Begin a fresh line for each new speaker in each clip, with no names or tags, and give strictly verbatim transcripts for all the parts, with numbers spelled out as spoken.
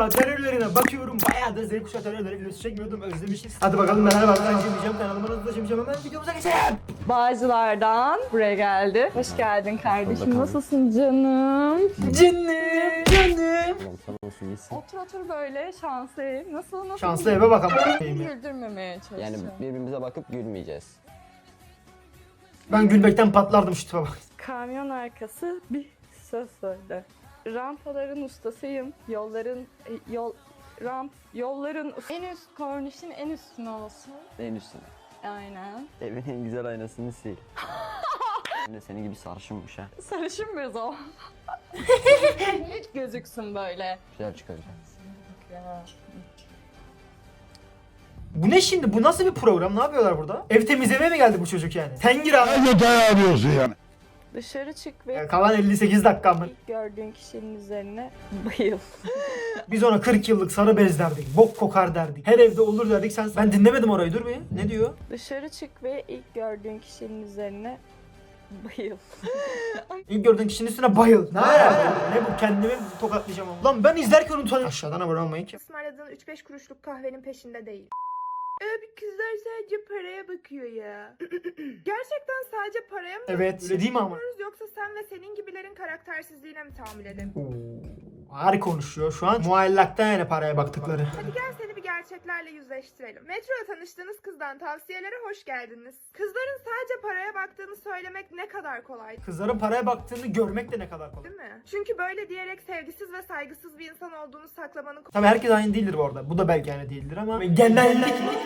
kuşağı terörlerine bakıyorum. Bayağı da Z kuşağı terörleri videosu çekmiyordum, özlemişiz. Hadi bakalım neler var. Ben Cem'cem kanalıma nasıl Cem'cem, hemen videomuza geçelim.
Bağcılar'dan buraya geldi. Hoş geldin kardeşim. Nasılsın canım? Canım. Canım. Otur otur böyle şanslı ev. Nasıl nasıl?
Şanslı eve bakalım.
Güldürmemeye çalışacağım.
Yani birbirimize bakıp gülmeyeceğiz.
Ben gülmekten patlardım şu tipe bak.
Kamyon arkası bir söz söyle. Rampaların ustasıyım. Yolların e, yol ramp yolların en üst kornişin en üstüne olsun.
En üstüne.
Aynen.
Evin en güzel aynasını sil. Ben de senin gibi sarışınmış ha.
Sarışın mıyız o? Hiç gözüksün böyle.
Güzel çıkaracak.
Ya.
Bu ne şimdi? Bu nasıl bir program? Ne yapıyorlar burada? Ev temizlemeye mi geldi bu çocuk yani? Tengir abi.
Ne dayanıyorsun yani?
Dışarı çık ve
Yani kalan elli sekiz dakika mı?
ilk gördüğün kişinin üzerine bayıl.
Biz ona kırk yıllık sarı bez derdik. Bok kokar derdik. Her evde olur derdik. Sen ben dinlemedim orayı. Dur bir. Ne diyor?
Dışarı çık ve ilk gördüğün kişinin üzerine bayıl.
İlk gördüğün kişinin üstüne bayıl. Ne alaka? Ne bu? Kendimi tokatlayacağım ama. Lan ben izlerken utanıyorum. Aşağıdan abone olmayın ki.
Ismarladığın üç beş kuruşluk kahvenin peşinde değil. Abi kızlar sadece paraya bakıyor ya. Gerçekten sadece paraya mı
Evet. Öyle değil mi ama?
bakıyoruz yoksa sen ve senin gibilerin karaktersizliğine mi tahammül edelim?
Oo, harika konuşuyor şu an. Muallaktan yani paraya baktıkları.
Hadi gel seni bir gerçeklerle yüzleştirelim. Metroda tanıştığınız kızdan tavsiyelere hoş geldiniz. Kızların sadece paraya baktığını söylemek ne kadar kolay
Kızların paraya baktığını görmek de ne kadar kolay.
değil mi? Çünkü böyle diyerek sevgisiz ve saygısız bir insan olduğunu saklamanın
Tabii herkes aynı değildir bu arada. Bu da belki aynı değildir ama genellikle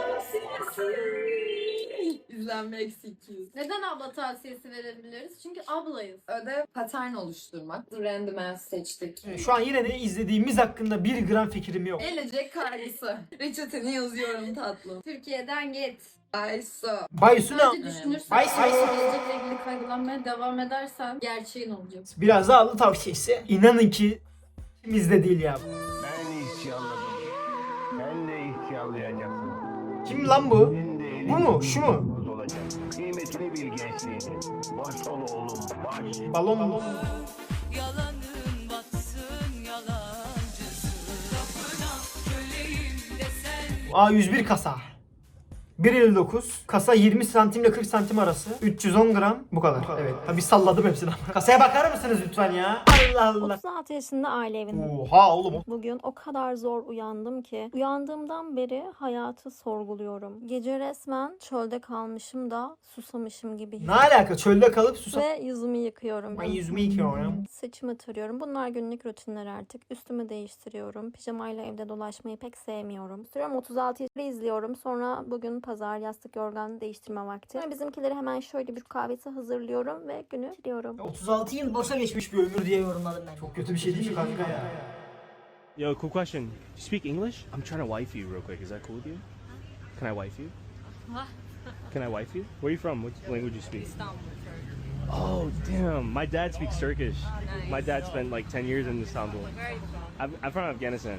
İzlenme eksi iki yüz.
Neden abla tavsiyesi verebiliriz? Çünkü ablayız.
Ödev patern oluşturmak. Random ass seçtik.
şu an yine de izlediğimiz hakkında bir gram fikrim yok.
Gelecek kaygısı. Reçeteni yazıyorum tatlım.
Türkiye'den git.
Ayso.
Baysu ne?
Sadece düşünürsen,
Ay, ay, ay.
gelecekle ilgili kaygılanmaya devam edersen gerçeğin olacak.
Biraz daha aldı tavsiyesi. İnanın ki kimizde değil ya.
Ben isyanladım. Ben de isyanlayacaksın.
Kim lan bu?
Senin de elin
Bu mu? Şu mu?
boz olacak. Kıymetini bil gençliğini. Baş ol oğlum baş.
Balon balon.
Yalanın batsın yalancısın. Kapına köleyim desen.
A yüz bir kasa. bir elli dokuz. Kasa yirmi santimle kırk santim arası. üç yüz on gram. Bu kadar. Evet. Tabii salladım hepsini ama. Kasaya bakar mısınız lütfen ya? Allah Allah.
otuz altı yaşında aile evinde.
Oha oğlum.
Bugün o kadar zor uyandım ki uyandığımdan beri hayatı sorguluyorum. Gece resmen çölde kalmışım da susamışım gibi
Ne alaka? Çölde kalıp susam.
ve yüzümü yıkıyorum.
Ben yüzümü yıkıyorum.
Saçımı tarıyorum. Bunlar günlük rutinler artık. Üstümü değiştiriyorum. Pijamayla evde dolaşmayı pek sevmiyorum. Sürüyorum otuz altı yaşında izliyorum. Sonra bugün pazar yastık yorgan değiştirme vakti. Sonra bizimkileri hemen şöyle bir kahvesi hazırlıyorum ve günü bitiriyorum.
otuz altı yıl boşa geçmiş bir ömür diye yorumladım ben. Çok kötü bir şey değil mi kanka ya?
Yo, cool question. Do you speak English? I'm trying to wife you real quick. Is that cool with you? Can I wife you?
What?
Can I wife you? Where are you from? What language you speak? Oh, damn. My dad speaks Turkish. My dad spent like ten years in Istanbul. I'm, I'm from Afghanistan.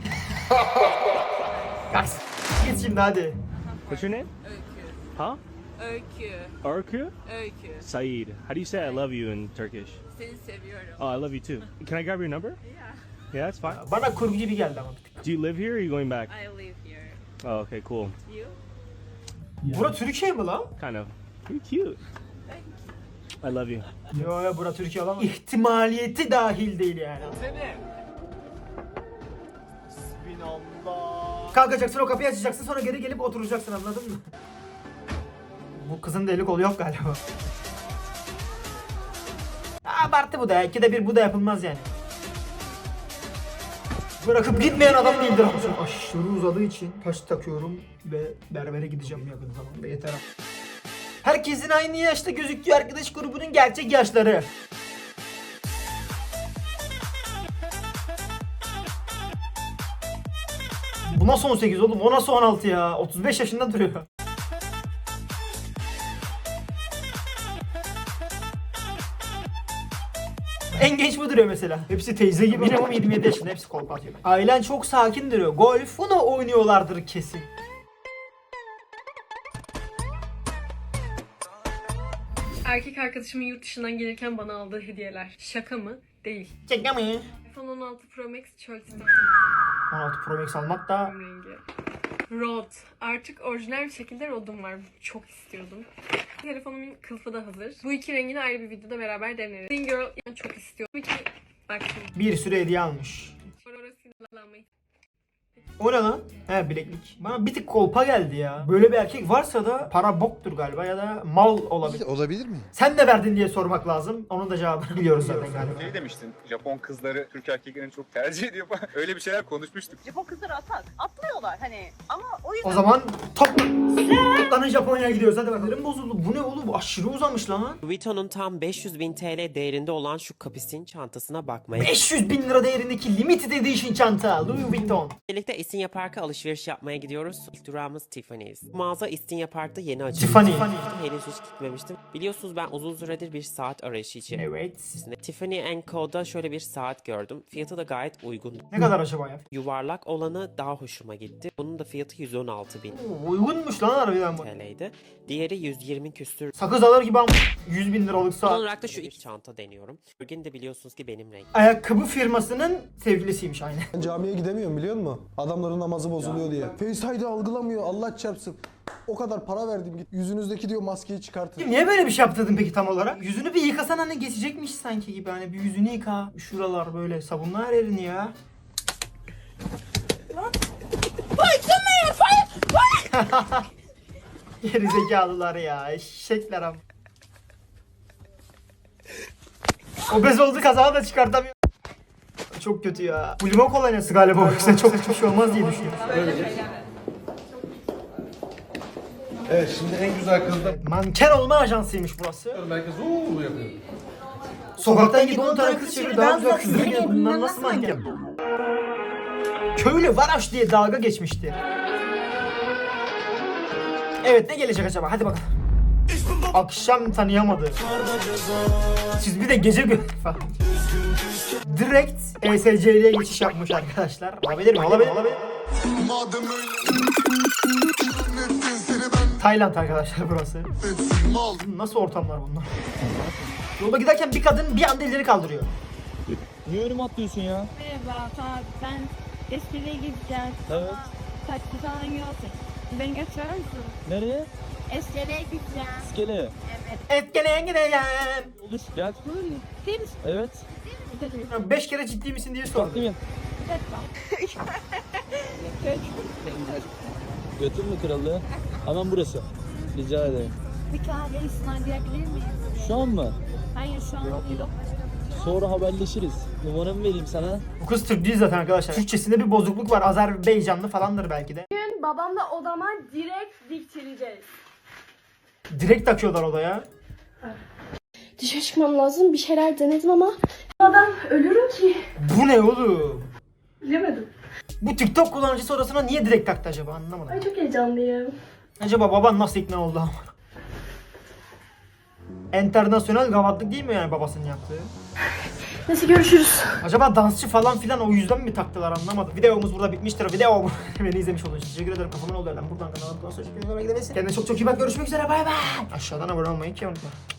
Kaç. Git şimdi hadi.
What's your name? Huh?
Öykü,
Arku?
öykü.
Saeed. How do you say I love you in Turkish?
Seni seviyorum.
Oh, I love you too. Can I grab your number?
Yeah.
Yeah, that's fine.
Bana kurgu gibi geldi ama.
Do you live here or are you going back?
I live here.
Oh, okay, cool.
You?
Bura Türkiye mi lan?
Kind of. You're cute. I love you.
Yo yo bura Türkiye olamaz. İhtimaliyeti dahil değil yani. Kalkacaksın, o kapıyı açacaksın, sonra geri gelip oturacaksın, anladın mı? Bu kızın da eli kolu yok galiba. Abartı bu da ya. İkide bir bu da yapılmaz yani. Bırakıp gitmeyen adam değildir ama. Aşırı uzadığı için taş takıyorum ve berbere gideceğim yakın zamanda, yeter artık. Herkesin aynı yaşta gözüktüğü arkadaş grubunun gerçek yaşları. Bu nasıl on sekiz oğlum? O nasıl on altı ya? otuz beş yaşında duruyor. En genç bu duruyor mesela. Hepsi teyze gibi. Minimum yirmi yedi yaşında. Hepsi kolpa atıyor. Ailen çok sakin duruyor. Golf. Bunu oynuyorlardır kesin.
Erkek arkadaşımın yurt dışından gelirken bana aldığı hediyeler. Şaka mı? Değil.
Şaka mı?
iPhone on altı Pro Max çöl tipi.
on altı Pro Max almak da
rengi. Rod. Artık orijinal bir şekilde Rod'um var. Çok istiyordum. Telefonumun kılıfı da hazır. Bu iki rengini ayrı bir videoda beraber deneriz. Thin Girl yani çok istiyorum. Bu iki... Bak şimdi.
bir sürü hediye almış.
Orası kullanmayı.
O ne lan? He, bileklik. Bana bir tık kolpa geldi ya. Böyle bir erkek varsa da para boktur galiba ya da mal olabilir.
Olabilir mi?
Sen de verdin diye sormak lazım. Onun da cevabını biliyoruz zaten galiba.
Şey demiştin, Japon kızları Türk erkeklerini çok tercih ediyor falan. Öyle bir şeyler konuşmuştuk.
Japon kızları atak. Atlıyorlar hani ama o yüzden...
O zaman top toplanın Japonya'ya gidiyoruz. Hadi bakalım. Bozuldu. Bu ne oğlum? Bu aşırı uzamış lan.
Louis Vuitton'un tam beş yüz bin T L değerinde olan şu kapisin çantasına bakmaya
beş yüz bin lira değerindeki limited edition çanta. Louis Vuitton.
birlikte İstinye Park'a alışveriş yapmaya gidiyoruz. İlk durağımız Tiffany's. Bu mağaza İstinye Park'ta yeni açıldı.
Tiffany.
Henüz hiç gitmemiştim. Biliyorsunuz ben uzun süredir bir saat arayışı için.
Evet.
Tiffany and Co'da şöyle bir saat gördüm. Fiyatı da gayet uygun.
Ne kadar acaba ya?
Yuvarlak olanı daha hoşuma gitti. Bunun da fiyatı yüz on altı bin
Oo, uygunmuş lan harbiden bu.
T L'ydi. Diğeri yüz yirmi küsür.
Sakız alır gibi ama yüz bin liralık
Son
saat.
olarak da şu iki çanta deniyorum. Bugün de biliyorsunuz ki benim rengim.
Ayakkabı firmasının sevgilisiymiş aynı.
Ben camiye gidemiyorum biliyor musun? Adamların namazı bozuluyor diye. Face I D algılamıyor Allah çarpsın. O kadar para verdim git. Yüzünüzdeki diyor maskeyi çıkartın.
Niye böyle bir şey yaptırdın peki tam olarak? Yüzünü bir yıkasan hani geçecekmiş sanki gibi. Hani bir yüzünü yıka. Şuralar böyle sabunla her yerini ya. Geri zekalılar ya. Eşekler ama. Obez oldu, kazağı da çıkartamıyor. Çok kötü ya. Bu limon kolonyası galiba o yüzden çok hiçbir şey olmaz diye düşünüyorum.
Evet şimdi en güzel kız da
Manken olma ajansıymış burası.
merkez uuu yapıyor.
Sokaktan gidip on tane kız çeviriyor, daha güzel kızları geliyor. Bunlar nasıl manken? Köylü Varaş diye dalga geçmişti. Evet, ne gelecek acaba? Hadi bakalım. Akşam tanıyamadı. Siz bir de gece gö... falan. Direkt E S C'ye geçiş yapmış arkadaşlar. Olabilir mi? Olabilir. Olabilir. Tayland arkadaşlar burası. Nasıl ortamlar bunlar? Yolda giderken bir kadın bir anda elleri kaldırıyor.
Niye önüme atlıyorsun ya?
Merhaba, ben Eskişehir'e gideceğim.
Evet.
Taksi falan yok. Beni götürür müsün?
Nereye?
Eskişehir'e gideceğim.
İskele.
Etkeleyen gideceğim.
Olur gel.
Değil misin?
Evet.
Beş kere ciddi misin diye sordu.
Değil mi? Götür mü kralı? Hemen burası. Rica ederim.
Bir kahve ısmarlayabilir miyiz?
Şu an mı?
Hayır şu an yok.
Sonra haberleşiriz. Numaramı vereyim sana.
Bu kız Türk değil zaten arkadaşlar. Türkçesinde bir bozukluk var. Azerbaycanlı falandır belki de.
Bugün babamla odama direkt diktireceğiz.
Direkt takıyorlar odaya.
Dışarı çıkmam lazım. Bir şeyler denedim ama adam ölürüm ki.
Bu ne oğlum?
Bilemedim.
Bu TikTok kullanıcısı odasına niye direkt taktı acaba, anlamadım.
Ay çok heyecanlıyım.
Acaba baban nasıl ikna oldu ama? Enternasyonel gavatlık değil mi yani babasının yaptığı?
Neyse görüşürüz.
Acaba dansçı falan filan o yüzden mi taktılar, anlamadım. Videomuz burada bitmiştir. Video beni izlemiş olduğunuz için teşekkür ederim. Kafamın oldu. Buradan kanalıma sonra teşekkür ederim. Kendine çok çok iyi bak. Görüşmek üzere. Bay bay. Aşağıdan abone olmayı unutma.